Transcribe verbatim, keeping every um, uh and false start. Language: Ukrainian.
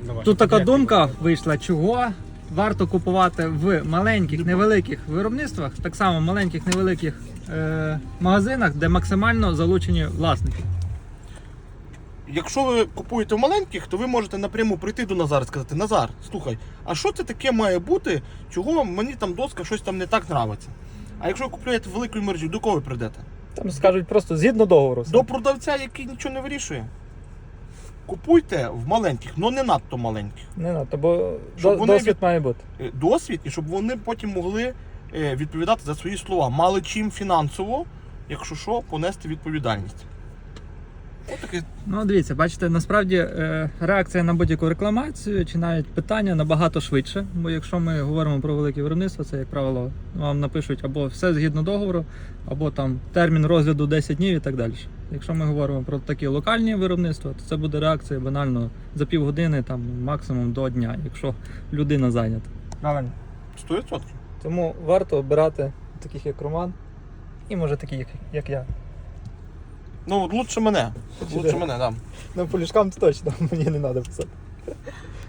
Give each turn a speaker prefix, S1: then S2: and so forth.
S1: Тут така думка вийшла, чого варто купувати в маленьких, невеликих виробництвах, так само маленьких, невеликих е, магазинах, де максимально залучені власники.
S2: Якщо ви купуєте в маленьких, то ви можете напряму прийти до Назара і сказати: Назар, слухай, а що це таке має бути, чого мені там доска щось там не так нравиться? А якщо ви купуєте велику мережу, до кого ви прийдете?
S1: Там скажуть просто згідно договору.
S2: До продавця, який нічого не вирішує. Купуйте в маленьких, але не надто маленьких.
S1: Не надто, бо
S2: Щоб
S1: до,
S2: вони
S1: досвід
S2: від-
S1: має бути.
S2: Е, Досвід, і щоб вони потім могли е, відповідати за свої слова. Мали чим фінансово, якщо що, понести відповідальність. Ось таке.
S1: Ну, дивіться, бачите, насправді е, реакція на будь-яку рекламацію чи навіть питання набагато швидше. Бо якщо ми говоримо про велике виробництво, це, як правило, вам напишуть або все згідно договору, або там термін розгляду десять днів і так далі. Якщо ми говоримо про такі локальні виробництва, то це буде реакція банально за півгодини, там максимум до дня, якщо людина зайнята. Правильно.
S2: сто відсотків.
S1: Тому варто обирати таких як Роман і може таких як, як я.
S2: Ну, от лучше мене.
S1: Чи
S2: Лучше
S1: де?
S2: мене, так.
S1: Ну, по ліжкам то точно, мені не треба писати.